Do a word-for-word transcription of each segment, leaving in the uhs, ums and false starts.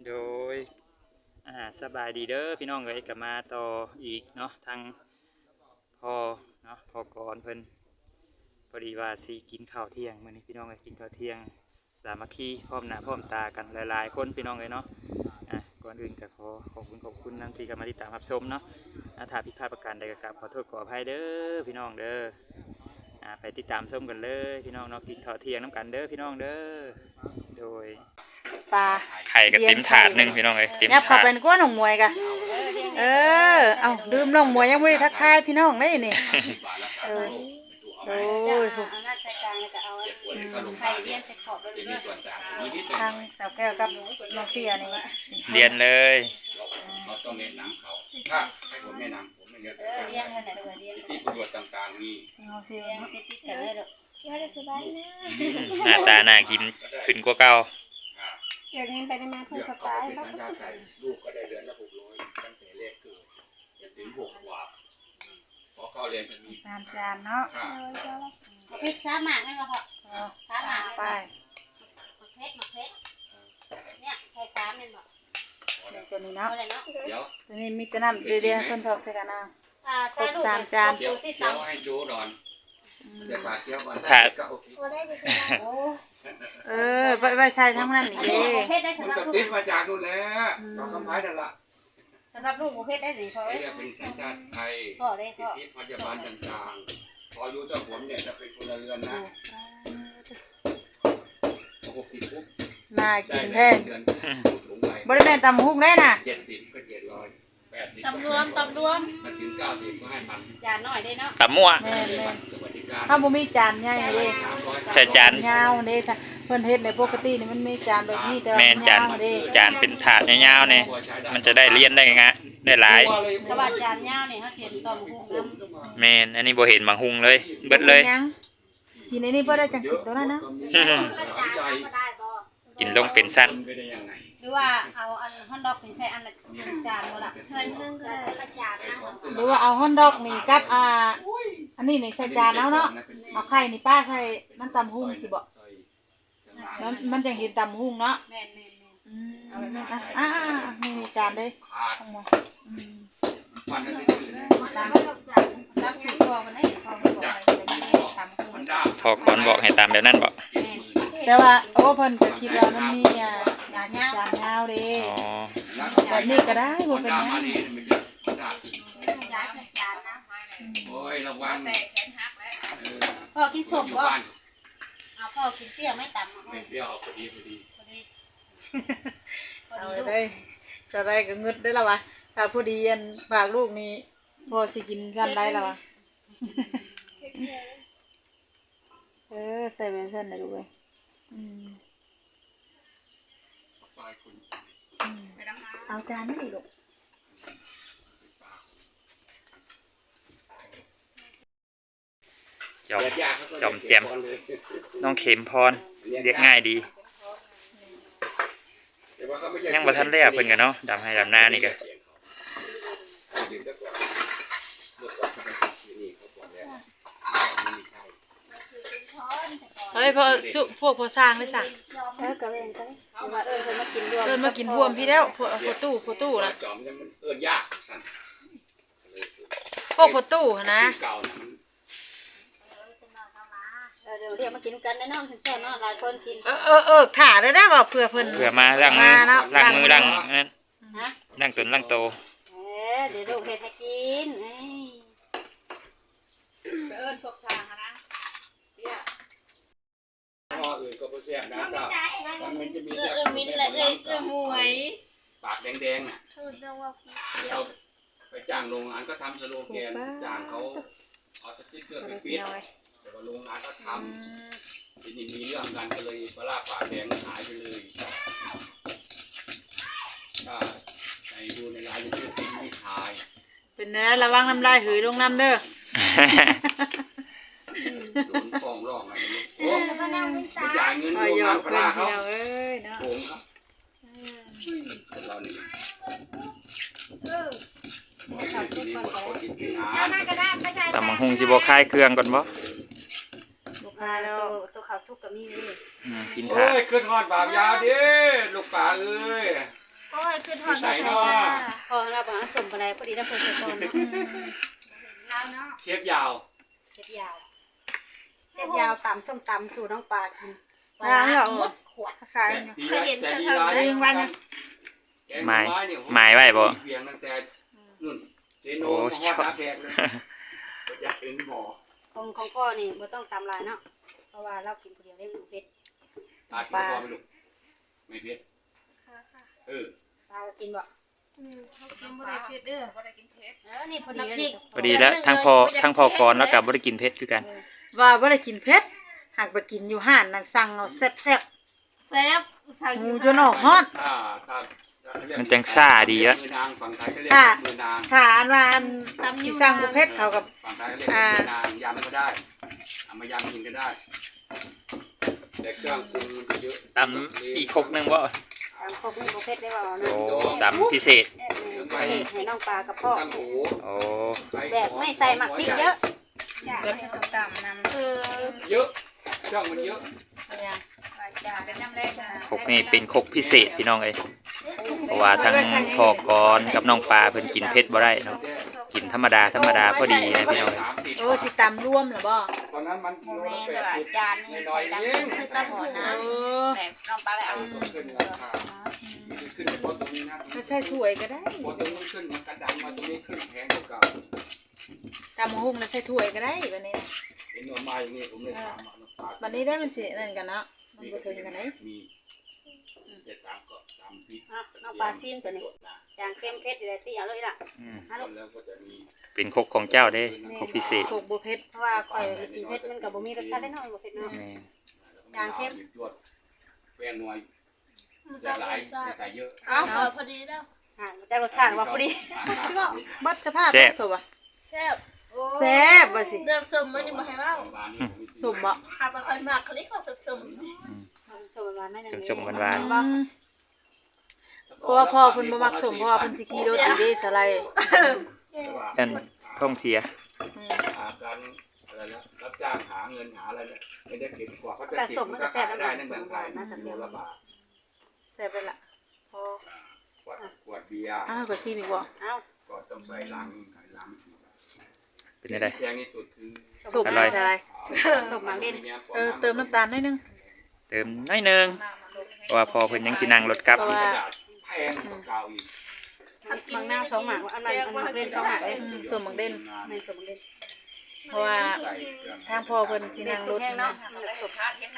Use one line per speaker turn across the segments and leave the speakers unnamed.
โดยอ่าสบายดีเด้อพี่น้องเอ้ยกลับมาต่ออีกเนาะทางพ่อเนาะพ่อก่อนเพิ่นพอดีว่าสิกินข้าวเที่ยงมื้อนี้พี่น้องเอ้ยกินข้าวเที่ยงสามัคคีพร้อมหน้าพร้อมตากันหลายๆคนพี่น้องเอ้ยเนาะอ่ะก่อนอื่นก็ขอขอบคุณขอบคุณนำที่เข้ามาติดตามรับชมเนาะอ่าถ้าผิดพลาดประการใดก็กราบขอโทษขออภัยเด้อพี่น้องเด้ออ่าไปติดตามชมกันเลยพี่น้องเนาะกินข้าวเที่ยงน้ำกันเด้อพี่น้องเด้อโดย
ปลา
ไข่ก็เต็มถาดหนึงพี่น้องเอ้ยเต็ม
เนี่ยพอ
ถาด
เป็นก้อนของมวยกะเออเอาดื่มน้องมวยยังไม่ทักทายพี่น้องได้นี่เออโอ้ยเอาหน้าใส่กลางแล้วก็เอาไข่เลี้ยนใส่ขอบแล้วด้วยทางสาวแก้วกับน้องเตี้ยนี่
เรียนเลย
เราต้องเน้นน้ำเขาถ้าให้ผมแนะนำผมไม่เลี้ยงเลี้ยงขนาดเลี้ยงที่ประโยชน์ต่างๆมี
เลี้ยงติดติดกันเลยเด้อเลี้ยงสบายนะ
หน้าตาน่ากินขึ้นกว่าเก่า
เดี๋ยวนี้ไปได้มาเพิ่มสบาย
แล้วลูกก็ได้เดือนละหกร้อยตั้งแต่แรกเกิดจนถึงหกขวบพอเข้าเรียนมันมี
สามจานเนาะ
พริกสามหมากนั่นมาพอสามหมาก
ไป
มะเขือมะเขือเนี่ยใส่สามนี่บอก
ตัวนี้เนาะ
เดี๋ยว
ตัวนี้มีแต่น้ำเรียๆคนถอกใส่กันนะ
ครบ
สามจาน
เดี๋ยวเดี๋ยวให้โจ้นอนเดี๋ยวขาดเที่ยวก่อนก็โอเค
เออไปไปใส่ทั้งนั้นนี่เด้
มันก็ติดมาจากนู่นแหละเราคำพายนั่นละ
สำหรับลูกประเภทได้หรือพอไหม
เป็นสัญชาติไทยสิทธิพยาบาลต่างๆพออายุเจ้าผมเนี่ยจะเป็นพลเรือนนะหกสิบปุ๊บ
น่ากินแท้บริเวณตำฮุกได้น่ะ
เจ็ดสิบก็เจ็ดร้อยแปดสิบ
ตำรวมตำรวม
มาถึงเก้าสิบก็ให้มัน
จานน้อยได้เนาะ
ตำมั่ว
ถ้าบ่มีจานใหญ่เด้
ใช่จาน
ยาวเด้ถ้าเพิ่นเฮ็ดในปกตินี่มันมีจานแบบนี้แต่ว่า
มันยาวเด้จานเป็นถาดยาวๆนี่มันจะได้เรียนได้งะได้หลาย
กระบะจานยาวนี่เฮาเสียต่อมหุงน้
ำแม่นอันนี้บ่เห็นบางหุงเลยเบิดเลย
กินในนี้บ่ได้จังกินตัวนั้นนะ
กินลงเป็นสั้น
หรือว่าเอาอันฮอนดอกนี่ใส่อันละจานบ่ล่ะเชิญเพิ่งก็ได้ละจานนะ
หรือว่าเอาฮอนดอกนี่กับอ่าอันนี้นี่ใส่จานแล้วเนาะเอาไข่นี่ป้าใส่น้ำตำหุ่งสิบ่มันมันจังเห็นตำหุ่งเนาะ
แม่นๆๆ
อืมอ่าๆนี่จานเด้ทั้งหมดอืม
ฟันนั่น
ตามตามสูตรพ่อมันให้พ่อมันบอกให้ตำหุ่ง
พอก่อนบอกให้ตามแบบนั้นบ่
แต่ว่าโอ้เพิ่นก็คิดว่ามันมีอ่าจานยาวจานยาวเด้อ๋อแบบนี้ก็ได้บ่เป็นหยัง
โอ้ยระวัง
พ่อกินสมบ่เอาพ่อกินเปรี้ยวไม่ต่ำ
ไม่เปรี้ยวพอดีพอดี
พอดี
เอาได้จะได้ก็งึดได้แล้ววะถ้าพอดีอันฝากลูกนี่พ่อสิกินซั่นได้แล้ววะเออใส่แม่นซั่นได้ลูกเอ้ยอืมเอาจานนี่ลูก
จอมจอมแจ่มน้องเข็มพรเรียกง่ายดียังบ่ทันได้เพิ่นกันเนาะดำให้ดำหน้านี่ก็
เฮ้ยพอสุพวกพอสร้างได้ซะ
เออก็เว้นกันว่าเออเพิ่นมากินรวม
เพิ่นมากินรวมพี่แล้วพวกพวกตู้พวกตู้น่ะ
จอมเนี่ยมันเอิ้นยากซั่น
พวกพวกตู้นะ
เออเดี๋ยวเรียกมากินกันแน่นอนเพิ่นแซ่บเนาะหลายคนกิน
เออเออเออถ่าได้ได้บ่เผื่อเพิ่น
เผื่อมาล้างมือล้างมือล้างนั้น
ฮะ
ล้างตนล้างโต
เออเดี๋ยวลูกเฮ็ดให้กินเอ้ยเอิ้นพวกทางนะเนี่ย
พ่ออื่นก็บ่แซ่บนะจ้ามันจะมี
เออมิ้นและเอ้ยเอ้ยมวย
ปากแดงๆน่ะเราไปจ้างโรงงานก็ทำสโลแกนจ้างเขาเอาสติ๊กเกอร์ไปปิดแต่ว่าโรงงานก็ทำทีนี้มีเรื่องกันก็เลยปลาปากแดงหายไปเลยก็ในดูในไลน์จะชื่อทิ้งไม่ทาย
เป็นนะระวังน้ำลายหือลงน้ำเด้อ
โดนฟ้องร้องอะไรนี่โอ้ไม่จ่ายเงินโรงงานปลาเขาโกงครับเรานี่
ตำบักหุ่งสิบ่คายเครื่องก่อนบ่
บ่คายแล้วตัวข้าวสุกก็มีนี่
อืมกิน
ท่าโอ้ยขึ้นฮอดบาปยาดิลูกป่าเอ้ย
ขึ้นทอด
ใส่เนาะ
พอเราบอกสมอะไรพอดีเราเพิ่นใส่ก่อนเนาะ
เชฟยาว
เจ็บยาวเจ็บยาวตำส้มตำสู่น้องปลากิน
ร้านเหรอ
หมดขวด
ขาย
เคยเห็น
แต่
เธอ
ดี
ทำ
ร้าย
ไหม
วันน่ะ
หมายหมายไว้บ่
เพียงตั้งแต่นู่นเจโน
โอ้
มาฮอดน้าแพกเลยอยากเห็นหมอ
ของของพ่อนี่บ่ต้องตำลายเนาะเพราะว่าเรากินคนเดียวได้ลูกเผ็ด
ตากินพอไหมลูกไม่เผ็ดเออ
ปลากินบ่
อืมเขากินบ่ได้เผ็ดเด้อบ่ได้กินเผ็ด
เออนี่พอดีเลย
พอดีแล้วทั้งพอทั้งพอกรแล้วก็บ่ได้กินเผ็ดคือกัน
ว่าบ่ได้กินเผ็ดหากไปกินอยู่ห้านนั่นสั่งเอาแซ่บ
แซ่บสั่ง
ๆห
กิ
มู
น
จนออกฮอด
ถ้าถ้าถ้าเรียก
มันจังซ่าดีวะ
มือนางฝั่งไทยก็เรียก
ค่ะ
มือนาง
ถ้าอันว่าอันสิสั่งบ่เผ็ดเขากับ
ฝั่งไทยก็เรียกมือนางยำก็ได้เอามายำกินก็ได้แต่เครื่องปรุงมันจะเยอะ
ตำอีกครกหนึงบ่
ตำครบนี่บ่เผ็ดได้บ่เนาะ
โอ้ตำพิเศษ
เออให้น้องปลากับพ่อ
ตั้งหู
โอ้
แบบไม่ใส่หมักพริกเยอะ
แบบส้มตำนำ
คือ
เยอะเครื่องมันเยอะ
จานเป็นน้ำแรกนะ
ครกนี่เป็นครกพิเศษพี่น้องเอ้ยเพราะว่าทั้งพอกรกับน้องปลาเพิ่นกินเผ็ดบ่ได้เนาะกินธรรมดาธรรมดาพอดีนะพี่น้องเอ้ย
สามสิบ
โอ้สิตำรวมเหรอบ่
ตอนนั้นมัน
โม
กิโล
เม
ละ
น
แป
ต์
ด
แบบ
สิบ
จาน
น้อยๆเอง
คือตะหอ
เอ
นะ
อ
แบบน้องปลาเลยเอา
ต้องขึ้นราคาขึ้นเพราะตรงนี้นะ
ก็ใส่ถ้วยก็ได้
พอตรงนี้ขึ้นมันกระดังมาตรงนี้ขึ้นแพงกว่าเก่า
ตำหุ่งแล้วใส่ถ้วยก็ได้บัดนี้นะ
เห็นว่ามาอย่างนี้ผมเลยถามว่าน้ำปลา
บัดนี้ได้มันสินั่นกันเนาะมันบ่ถึงกันไหน
มีเสร็จตามก็ตามพริก
น้องปลาซีนตัวนี้จางเค็มเผ็ดอยู่แล้วที่เอาเลยล่ะ
อืม
ฮัลโหล
แล้วก็จะมี
เป็นครกของเจ้าเด้ครกพิเศษ
โขกบ่เผ็ด
เพราะว่าข่อยกินเผ็ดมันก็บ่มีรสชาติได้น้อยบ่เผ็ดเนาะ
แม่
จางเข้ม
จวดแป้งนัวจะหลายใส่เยอะ
เอาเออพอดีแล้ว
อ่ามันจะรสชาติว่าพอดี
บัดสภาพตัวบ่
แซ่บ
แซ่บบ่สิ
เรื่องส้มมันยังบ่ให้เว้า
สุ่มบ่
หากบ่ค่อยมากคลิกก็ส้ม
ชมหวานๆหน่อยหนึง
ชมๆหวาน
อืมเพราะว่าพ่อเพิ่นบ่มักสมเพราะว่าเพิ่นสิขี่รถอยู่เด้สไลด์
ๆนั่นท้องเสีย
อืม
หาการอะไรนะรับจ้างหาเงินหาอะไรเนี่ยไม่ได้เก็บกว่าเขาจะ
แต่
เก็บ
สมมันก็
ก็
แซ่
ขาย
บ
ได้
น้ำ
นั่น
ส
เมือ
ม
ง
ห
ไท
วาย นน่าสัก
โล
เดียว
ละบาท
แซ่บไปละพอ
ขวดขวดเบียร์
อ้าวก็สิอีกบ่
เอ้า
ก็ต้องใส่ลังใส่ลัง
เป็นจังได๋
แพงที่สุดคือ
สุก
อร่อย
สไลด์
สมหมักเล่น
เออเติมน้ำตาลหน่อยนึง
เติมหน้อยหนึงเพราะว่าพอเพิ่นยังสินั่งรถกลับ
เพราะ
อีก
ว่า
กระดาษแพงกว่าเก่าอีก
มังนาวสองหมากอันนั้นอันหมักเล่นสองหมากเลย
อืมส่วนหมักเด่น
ไม่สมเล่น
เพราะว่า
ใส่เครื่อง
ทางพ่อเพิ่นสินั่งรถ
แห้งเนาะ
ๆสุขภาพเฮ็ดนะ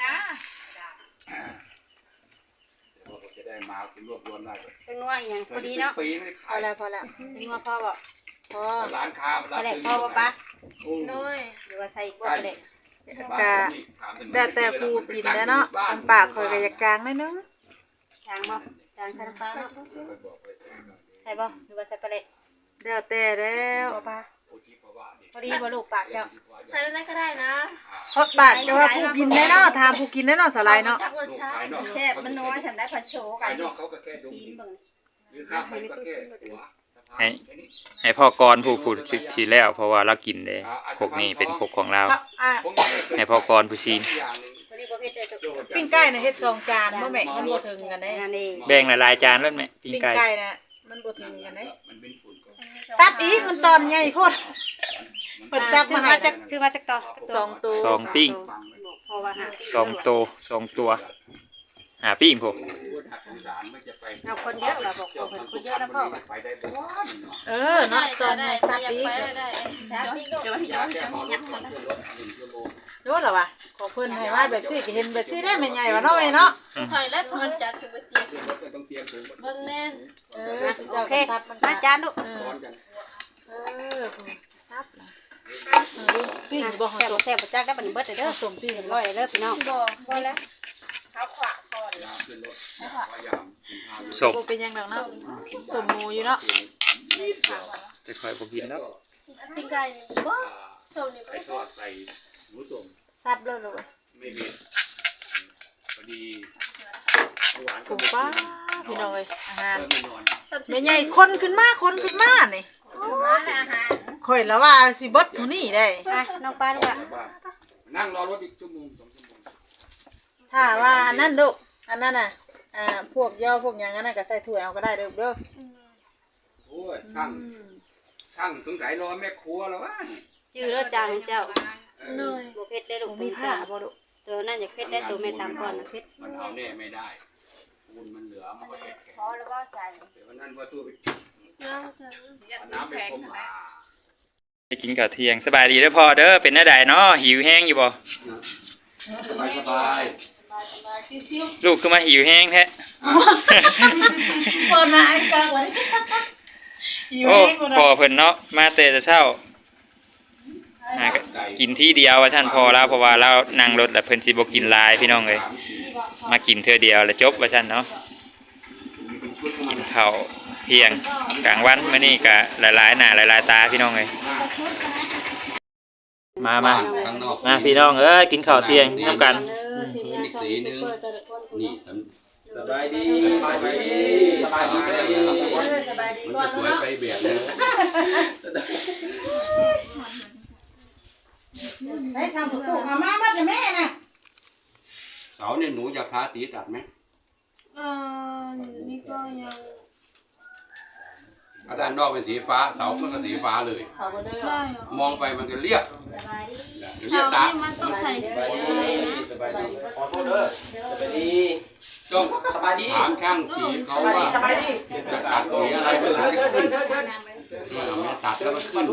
เดี๋ยวเราจะได้มาเป็นรวบรวมได้
เป็นนัวอย่างพอดีเนาะ
ปีไม่
พ
ขา
อย แล้วพอแล้ว
นัวพ่อบอก
พอ
ร้านค้า
พอแหลกพ่อป่ะปะ
น้อย
หรือว่าใส่กล้วยไปเลย
แต่แต่ผู้กินแล้วเนาะอันปากข่อยก็อยากจางหน่อยนึง
จางบ่จางใส่น้ำปลาเนาะใส่บ่หรือว่าใส่ไปเลย
แล้วแต่แล้ว
บ่ปะพอดีบ่ลูกปากเจ้า
ใส่อะไรก็ได้นะ
เพราะปากจะว่าผู้กินได้เนาะถามผู้กินได้เนาะสไลด์เนาะ
จักรสชาติ
แซ่บมันน้อยฉันได้ผัดโชกั
ภาน ยนอกเขาก็แค่ดู
ซีมเบิ่ง
หรือข้าวไปก็แค่หัว
ให้ให้พ่อกรผู้พูดสิแล้ว เพราะว่าเรากินเด้ครกนี่เป็นครกของเรา
ครับอ่ะ
ให้พ่อกรผู้ซีน
พอดีบ่เผ็ดเลยจ้ะ
ปิ้งไก่น่ะเฮ็ดสองจานบ่แม่มันบ่ถึงกันเด้
นั่นเอง
แบ่งหลายๆจานแล้วแม่ปิ้ง
ปิ้ง
ไก่
ไก่น่ะมันบ่ถึงกันเด้
มันเป็นฝุ่นก็
ซับอีกมันตอนใหญ่โพดเพิ่นซับ
ชื่
มา
อ
ให้
มาจากชื่อมาจากต่อ
สองตัว
สองปิ้ง
พอว่าหา
สองตัวสองตัวหาปิ้งผม
เอาคนเยอะล่ะบอกเอาคนเยอะแล้วพ่อ
ไปได้บ้าน
เออเนาะตอนนี้ซับอีก
ได้
ครับพี่ลูก
เดี๋ยวให้
ยา
ย้อน
แก้
ย้อน
หมอร
ย้
ถ
อน
ก่อนรถหนึ่งชั่วโมง
รู้แล้วว่ะของเพิ่นให้มาแบบซี่ก็เห็นแบบซี่ได้แม่ใหญ่ว่าเนาะแม่เนาะ
หอยแล้วมันจะถึงเตียง
เรื่องรถก็ต้องเตรียมถุง
เบิ่งแน่
เออสิ
โอ
เจ้า
เค
ก็ซับมัน
มาจานลูก
เออ
ร้อนกัน
เออซับนะเออปิ้งบ่หอ
แซ่บ
สม
แซ่บจักได้บัดนี้เบิดเด้อ
สมปิ้ง
เรียบร้อยเด้อพี่น้อง
บ่บ่แล้วเท้าขวาก่อน
ยาขึ้นรถว่ายามกินข้าว
ศพ
บ่เป็นหยังดอกเนาะสมหมูอยู่เนาะ
จะคอยบ่กินแล้ว
ปิ้งไก่บ่โซนี่
ไก่ทอดใส่หมูส้ม
ซับแล้วเลย
ไม่เผ็ดพอดีหวาน
ผมป้าพี่น้องเอ้ยอาหาร
เริ่มไม่นอน
แม่ใหญ่คนขึ้นมาคนขึ้นมานี่
มาแล้วอาหาร
ข่อยแล้วว่าสิเบิดเท่านี้ได้
ไปน้องปลาลูกอ่ะ
นั่งรอรถอีกชั่วโมงสองชั่วโมง
ถ้าว่าอันนั้นลูกอันนั้นน่ะออ่าพวกย่อพวกหยังนั้นน่ะก็ใส่ถ้วยเอาก็ได้เด้อเด้อ
โอ้ยข้างข้างสงสัยรอแม่ครัวแล้ววะ
ชื่อแล้วจางเจ้า
เหนื่อย
บ่เผ็ดได้ลูก
มีผ้าบ่ลูก
ตัวนั่นอยากเผ็ดได้ตัวแม่ตามก่อนนะเผ็ด
มันเอาแน่ไม่ได้ปูนมันเหลือมันก็แข็ง
พอแล้วก็ใส่
เดี๋ยววันนั้นว่าตู้ไป
น้ำจะ
เอาน้ำไปพรมอ่า
ไปกินข้าวเที่ยงสบายดีเด้อพ่อเด้อเป็นหน้าใดเนาะหิวแห้งอยู่บ่
สบายสบาย
สบายซิว
ลูกคือมาหิวแห้งแท้
บ่น่าอันกลางวันอยู่
โอ้
เองบ่
พ่อ
ได้
เพิ่นเนาะมาแต่เช้าหาก็กินที่เดียวว่าท่านพอแล้วเพราะว่าเรานั่งรถแล้วเพิ่นสิบ่กินหลายพี่น้องเอ้ยมากินเทื่อเดียวแล้วจบว่าท่านเนาะกินข้าวเที่ยงกลางวันมื้อนี้ก็หลายๆหน้าหลายๆตาพี่น้องเอ้ยมามา
ข้างนอก
มาพี่น้องเอ้ยกินข้าวเที่ยงนํกัน
นี่สีนึงนี่สบายดีสบายดีสบายดี
สบายดี
มัน
ก่อ
จะ
น
สวย
เนาะ
ไปแบบนี้
ให้ทำถูกๆมามามาแต่แม่น่ะ
เสาเนี่ยหนูอยากทาสีตัดไหม
อ่านี่ก็ยัง
ถ้าด้านนอกเป็นสีฟ้าเสามันก็สีฟ้าเลย
เขาบ่ได้
ใช่
มองไปมันก็เรียบเรีย
เสา
บตา
นี่มันต้องใส่
สบายดีขอโทษเด้อสบายดีต้องสบายดีถามช่างสีเขาว่าจะตัดสีอะไรก็ถึงจะขึ้นตัดแล้วมันขึ้น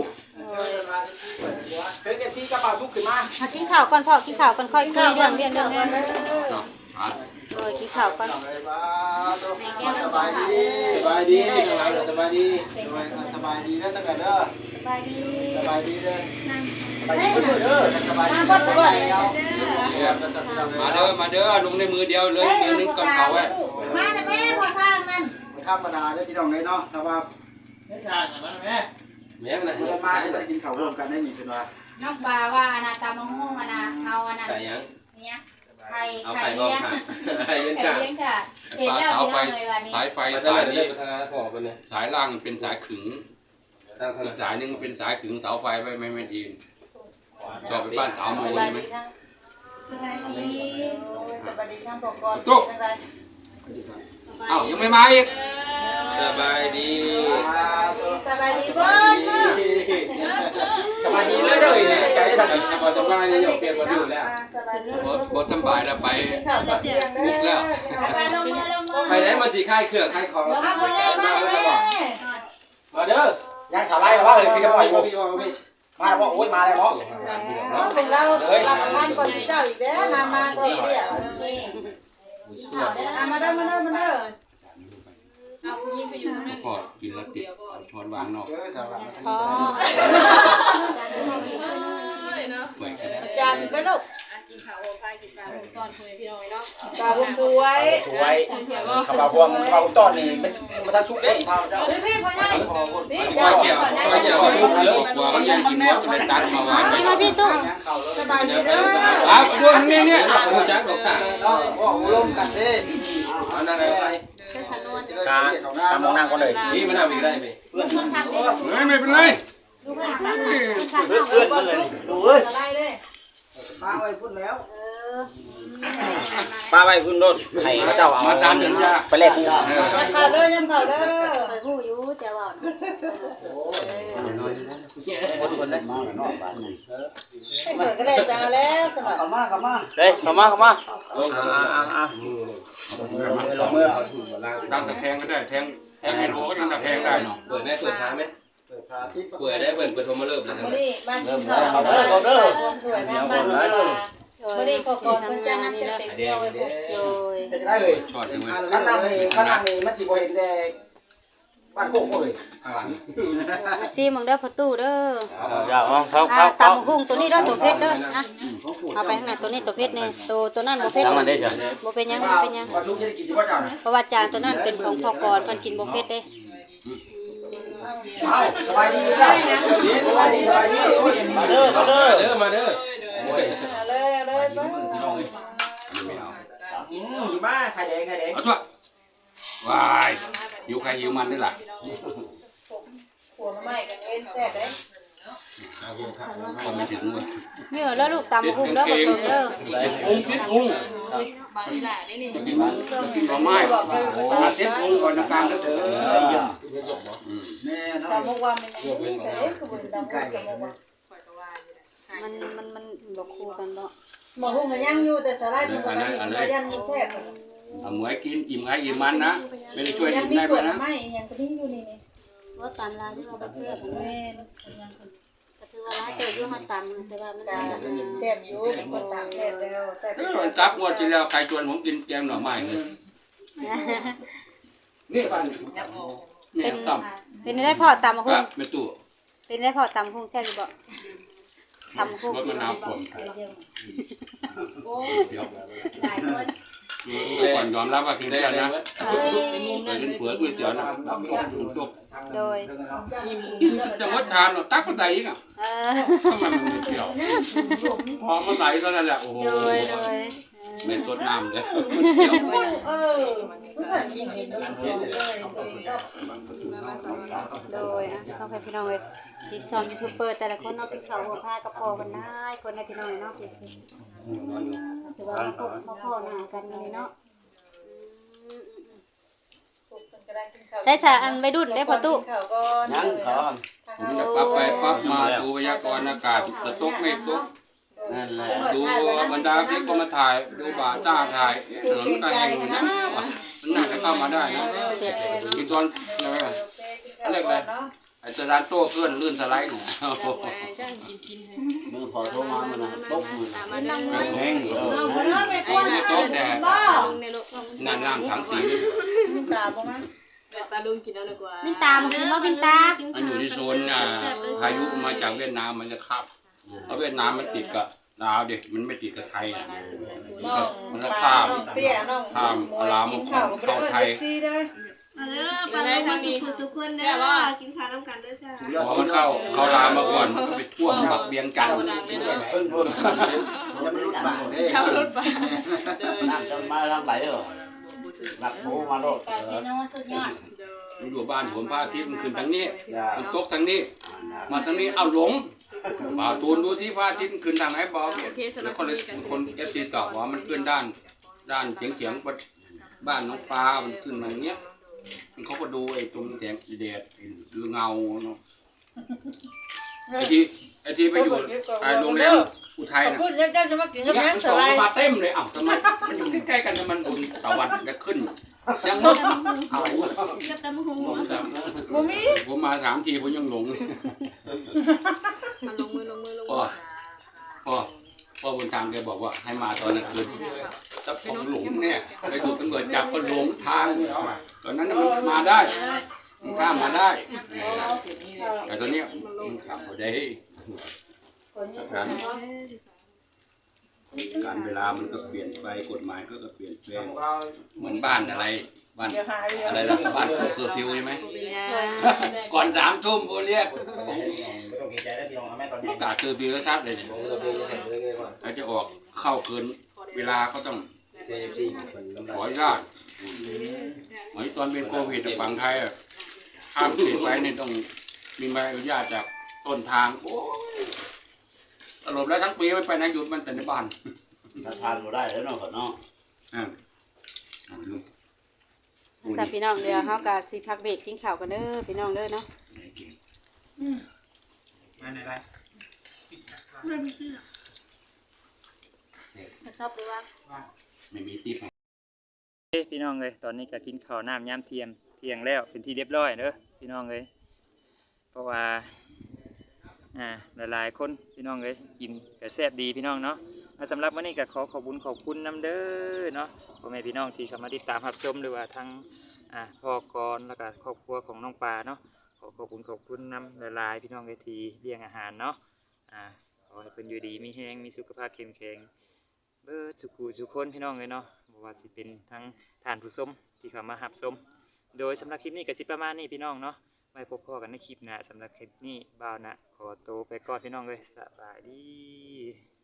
มากินข้าวก่อนพ่อกินข้าวก่อนค่อยคุยเรื่องเรียนเรื่องงานเด้อ เออกินข้าวก่อน
สบายดี
สบายดีสบายดีสบายดี
สบายดีนะตั้งแต่เด้อ
สบายดี
สบายดีเด้อสบายดีเด้อสบายดีเด้อ
มาเด้อมาเด้อลงในมือเดียวเลยมือนึงกับเขาไว้
มาแต่แม่พอสร้างนั่น
ธรรมดาเด้อพี่น้องเลยเนาะถ้าว่า
แม่นะ
เมื่อมาได้กินข้าวร่วมกันได้นี่เป็นว่า
น้องปลาว่าอนาตามะม่วงอนาเอาอนา
ใส่ยัง
เนี่ยไข่
เอา
ไข่
ไข่บ้อง
เลี้ยง
ค่ะไข่เลี้ยง
ไข่
ค่ะ
เลี้ยงค่ะเห็นแล้วพี่น้องเลยวันนี้
สายไฟสายนี้สายล่างเป็นสายขึงอีกสายนึงเป็นสายขึงเสาไฟไว้ไม่ไม่ดีต่อไปบ้านสาวโมใช่ไหม
สบายดีสบายดีทั้งพ่อก่อน
ตุ๊กเอ้ายังไม่มาอีกสบายดี
สบายดีเบิ้ล
สบายดีเลยเลยเนี่ยใจได้ทำอะไรพอสบายเนี่ยเปลี่ยนวันอยู่แล้ว
สบายดี
บทสบายแล้วไป
ข้าวกับเตียงเด้อ
ไปลงมือลงมือ
ไปไหนมาสีค่ายเครื่องค่ายของ
มาแม่มาแม่
มาเด้อ
ยังสาวไล่หรอว่าเออคือจะปล่อย
มา
กู
พี่มาพี่
มาแล้วโอ้ยมาแล้วเนาะ
น้องเป็นเราหลักงานก่อนเจ้าอีกแล้วนามาก่อนเดียวมาเด้อมาเด้อมาเด้อ
พอกินแล้วติดช้อนวางนอก
เออสาวไล่
พอ
เปิดกัน
จานไปลูกปลาบุ้งป่วย
สวยขบาพวงขบาต้อนนี่มันมันทั้งชุกเด้พาเจ้า
พี่พี่พ่อใหญ่พี่
ก้อยเกี่ยวก้อยเกี่ยวลูกเยอะกว่ามันยังกินหมดจะไปตัดมาวาง
มาพี่ตุ้สบายดีเด้อ
อ้าวดูทางนี้เนี่ยโอ้จักดอกสา
เนาะว่าร่วมกันเด้
เอานั่งไปไป
การทำมองนั่งก่อนเลย
นี่มันทำอีกได้ไหม
เพื่อน
ไม่ไม่เป็นไร
เพื่อนเพื่อนเพื่อนดูเอ้ย
อะไรเลย
มาไว้พุ่นแล้ว
ป้าไว้พื้นรถให้เขาเจ้าเอา
มาตามถึงยา
ไปแลกกู
ยำเข่าเด้อยำเข่าเด้อ
ไปหู้อยู่จะว่า
คนคนได้มาแล้วเนาะบ้านนี้
เปิดก็ได้จ้าแล้วสมัคร
กลับมากลับมา
เฮ้ยเข้ามาเข้ามา
ลง
อ่าอ่าอ่า
สองมือ
ตั้งตะแคงก็ได้แทงแทงไฮโดก็ตั้งตะแคงได้เนาะ
เปิดไหมเปิดท้าไหม
เปิดพาที่
เปิดได้เปิดเปิดโทรมาเริ่มแล้ว
มื้อนี้มากินข้าวเด้อเด้อสวยงามบ้านมื้อนี้พอก่อนเพิ่นจะนั่งเต็มๆเอาไว้พวก
โดย
ได้เลย
ชอดใช่ไหม
ข้างหน้านี่ข้างหน้านี่มันสิบ่เห็นแต่บ้านโคกเลย
ข้างหลัง
มาซีมึงเด้อพ่อตู้เด้อ
เดี๋ยวเอาเข้า
อ่า
เข้า
ตำ
เข้า
บักหุ่งตัวนี้เด้อตัวเพชรเด้อนะเอาไปข้างหน้าตัวนี้ตัวเพชรนี่ตัวตัวนั้นบ่เพชร
ทำมันได้จ้ะ
บ่เป็นหยังบ่เป็นหยัง
ว่าชุกจะได้กินที่ว่าเจ้าน่ะ
เพราะว่าจานตัวนั้นเป็นของพ่อกรเพิ่นกินบ่เพชรเด้
เอาสบายดีเด้อสบายดีสบายดีมาเด้อมาเด้อ
เด้อมาเด้อ
เอาเลยเอาเลยเบิ่ง
ไม่เอา
อืมอยู่บ้านไข่แดงไข่แดง
เอาตัววายหิวใครหิวมันนี่แหละ
ขัวมาใหม่กันเว้นแซ่บเด้
ก็ไม่ถึงเลย
เหนื่อยแล้วลูกตำกุ้งเด้อบ่เถิงเด้อ
พุงพิษพุงกินก็ไม่มาเช็ดพุงก่อนนะการก็เถอะแม่น้อง
ตำบอกว่ามันยังมีแต่เอ๊ะคือบ่ตำบอกตำบอกว่า
มันมันมันบ่คู่กันเนาะ
หมอหุ้งมันยังอยู่แต่สาหร่ายมันบ่ได้มันยังมีแซ่บ
เอาหมวยกินอิ่มใครอิ่มมันนะไม่ได้ช่วย
ยั
อิ่
ง
ม
มี
ได้
ก
ด้ว
ด
ยนะ
ไม่ยังก็มีอยู่นี่นี่
ว่าตำลาวที่ว่าบ่เชื่อกัน
แม่
ก็ถือว่าหลายเติบอยู่มาตำแต่ว่ามัน
ตาแซ่บอยู่เป็นคนตำแซ่บแล้วแซ่บ
เออมันกลับงวดที่แล้วใครชวนผมกินแกงหน่อไม้เลยนี่บ้านนี่ต้ม
เป็นได้พอตำ
ค
กุ้
รั
ง
บแม่ตู้
เป็นได้พอตำกุ้งแซ่บอยู่บ่ตำกุ้ง
รถมะนาวผมเดี๋ยว
หลายคน
ก่อนยอมรับว่ากินได้นะไปกินเผือกก๋วยเตี๋ยวนะจบ
โดย
กินจะมดทานหรอตักมันไหลอีกอ่ะ
เออ
ทำไมมันไม่เกี่ยวพอมันไหลก็นั่นแหละโอ้โห
โดยโดย
ไม่สดน้ำเลย
เออเพื่อนกินกินกันเลย
โดยอ่ะต้องให้พี่น้องเลยที่ซ้อมยูทูบเบอร์แต่ละคนเนาะกินข้าวหัวผ้ากระเพาะกันได้คนในพี่น้องเนาะถือว่ามาพบมาพ่อหน้ากันนี่เนาะใช้สาอันไปดุนได้พอตู้
ยังขอ
ผมจะปั๊บไปปั๊บมาดูพยากรณ์อากาศจะตกไม่ตก
นั่นแหละ
ดูบรรดาคลิปก็มาถ่ายดูบ่าต้าถ่ายถนนก็แห้งอยู่นะมันน่าจะเข้ามาได้นะกินตอนอะไรเรียกอะไรไอ้สลานโต้เคลื่อนลื่นสไลด์เนี่ย
มือขอโทรมามันนะตกมือ
มันนั่งเมื่อย
แห้งเออ
ไอ้เนี่ยโต๊ะแต่น้ำน้ำถังสี
ตาบ่มั้ง
มินตามกินบ่มินตา
มันอยู่ที่โซนอ่าพายุมาจากเวียดนามมันจะขับเพราะเวียดนามมันติดกับลาวดิมันไม่ติดกับไทยอ่ะมันก็ข้าม
เตี้ยน้อง
ข้ามลาวมาเข้าไทย
ซีเด้อ
มาเด้อปลาลูกมาสุขุสุขคนเด้อกินข้าวน้ำกันเด้อจ้า
พอมันเข้าเข้าลาวมาก่อนมันก็ไปท่วมบักเบียงกัน
เพิ่งพูดจะไม่รู้บ้างเด้เขารู้บ้าง
น้ำจะมาทางไหนเหรอหลักโทรมาโลด
การพี่น้องสุดยอด
มันอยู่บ้านผมพระอาทิตย์มันขึ้นทางนี้มันตกทางนี้ มาทางนี้เอาหลงบ่าวตูนดูที่พระอาทิตย์มันขึ้นทางไหนบอกแล้วคนเลยคนเอฟซีตอบว่ามันขึ้นด้าน ด้านเฉียงเฉียงบ้านน้องปลามันขึ้นมาอย่างเงี้ยเขาก็ดูไอ้ตรงแสงสีแดดเงาเนาะไอ้ที่ไอ้ที่ไปอยู่ไอ้โรงแรมอุทัยน่ะ
พูดเจ้าจะมากินกับ
เนี่ย
แม่
มัน
ส
ส่ง
ไลด์
มาเต็มเลยอ้าวทำไมมันอยู่ใกล้ๆกันทำไมบนตะวันจะขึ้นยังงงเอา
กับตำหู
ผมจ
บ่มี
ำผมมาสามทีผมยังหลงเลย
มันลงมือลงมือลง
พ่อพ่อพ่อบนทางแกบอกว่าให้มาตอนกลางคืนถ้าผมหลงเนี่ยไปถูกตำรวจจับก็หลงทางตอนนั้นมันมาได้มันข้ามมาได้แต่ตอนนี้มันขับมาได้การการเวลามันก็เปลี่ยนไปกฎหมายก็เปลี่ยนแปลงเหมือนบ้านอะไรบ้านอะไรล่ะบ้านเคอร์ฟิวใช่ไหมก่อนสามทุ่มโบเรียก
ไม่ต้องเกรงใจได้พี่น้องแม่ตอน
ป
นี้
ระกาศเคอร์ฟิวแล้วชัดเลยเราจะออกเข้าคืนเวลาก็ต้อง
เจพี่คนน้ำ
ขอ
ลาย
อนุญาตเหมือนตอนเป็นโควิดฝั่งไทยข้ามเขตไปนี่ต้องมีใบอนุญาตจากต้นทางโอ้ยสรุปแล้วทั้งปีไม่ไปไหนหยุดมันแต่ในบ้าน
ทานบ่ได้แล้วเนาะก่อนเนาะ
อ่า
สาพี่น้องเดี๋ยวเฮาก็สิพักเบรกกินข้าวกันเด้อพี่น้องเด้อเนาะ
มาไหนไร
ชอบหรือว่า
ไม่มีติ๊บ
พี่น้องเลยตอนนี้ก็กินข้าวน้ำยามเที่ยงเที่ยงแล้วเป็นที่เรียบร้อยเด้อพี่น้องเลยเพราะว่าอ่าหลายๆคนพี่น้องเลยกินก็แซ่บดีพี่น้องเนาะสำหรับวันนี้ก็ขอขอบคุณขอบคุณน้ำเด้อเนาะพ่อแม่พี่น้องที่เข้ามาติดตามรับชมหรือว่าทั้งอ่าพ่อกรแล้วก็ครอบครัวของน้องปลาเนาะขอขอบคุณขอบคุณน้ำหลายๆพี่น้องเลยที่เลี้ยงอาหารเนาะอ่าขอให้เป็นอยู่ดีมีแห้งมีสุขภาพเข้มแข็งเบิดสุขุสุขคนพี่น้องเลยเนาะบ่ว่าสิเป็นทั้งท่านผู้ชมที่เข้ามารับชมโดยสำหรับคลิปนี้ก็สิประมาณนี้พี่น้องเนาะไว้พบกันในคลิปหน้าสำหรับคลิปนี้บ่าวนะขอตัวไปก่อนพี่น้องเลยสบายดี